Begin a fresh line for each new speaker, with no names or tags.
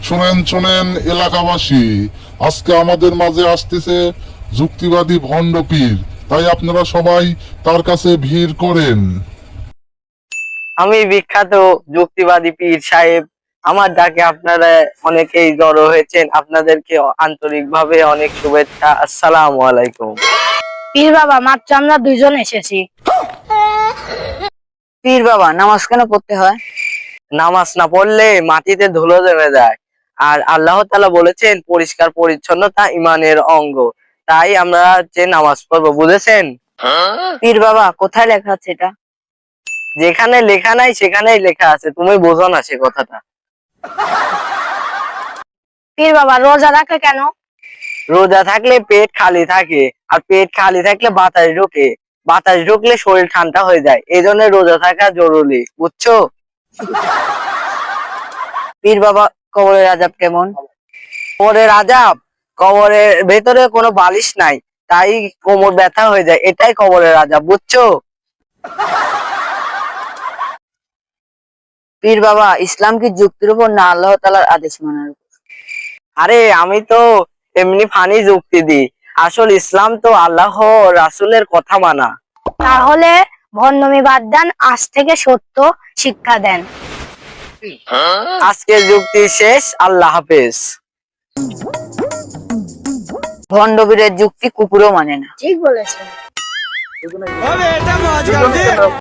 শোনেন শোনেন এলাকাবাসী, আজকে আমাদের মাঝে আসতেছে যুক্তিবাদী ভণ্ড পীর। তাই আপনারা সবাই তার কাছে ভিড় করেন।
আমি বিখ্যাত যুক্তিবাদী পীর সাহেব, আমার ডাকে আপনারা অনেকেই জড়ো হয়েছেন, আপনাদেরকে আন্তরিকভাবে অনেক শুভেচ্ছা। আসসালামু আলাইকুম।
পীর বাবা, মাত্র আমরা দুইজন এসেছি।
পীর বাবা, নামাজ কেন পড়তে হয়?
নামাজ না পড়লে মাটিতে ধুলো জমে যায়, আর আল্লাহ তাআলা বলেছেন পরিষ্কার পরিচ্ছন্নতা ইমানের অঙ্গ। তাই আমরা যে নামাজ পড়বো, বুঝেছেন?
পীর বাবা, কোথায় লেখা আছে এটা?
যেখানে লেখা নাই সেখানেই লেখা আছে, তুমি বোঝো না সে কথাটা।
পীর বাবা, রোজা রাখে কেন?
রোজা থাকলে পেট খালি থাকে, আর পেট খালি থাকলে বাতাস ঢোকে, বাতাস ঢুকলে শরীর ঠান্ডা হয়ে যায়, এই জন্য রোজা থাকা জরুরি, বুঝছো?
পীর বাবা, কবরের আযাব কেমন?
কবরের আযাব, কবরের ভেতরে কোনো বালিশ নাই, তাই কোমর ব্যথা হয়ে যায়, এটাই কবরের আযাব, বুঝছো?
পীর বাবা, ইসলাম কি যুক্তির উপর না আল্লাহ তাআলার আদেশ মানার উপর?
আরে আমি তো এমনি ফানি যুক্তি দিই, আসল ইসলাম তো আল্লাহ রাসূলের কথা মানা।
তাহলে ভণ্ডামি বাদ দেন, আজ থেকে সত্য শিক্ষা দেন।
আজকের যুক্তি শেষ, আল্লাহ হাফেজ।
ভণ্ড পীরের যুক্তি কুকুরও মানে না।
ঠিক বলেছেন।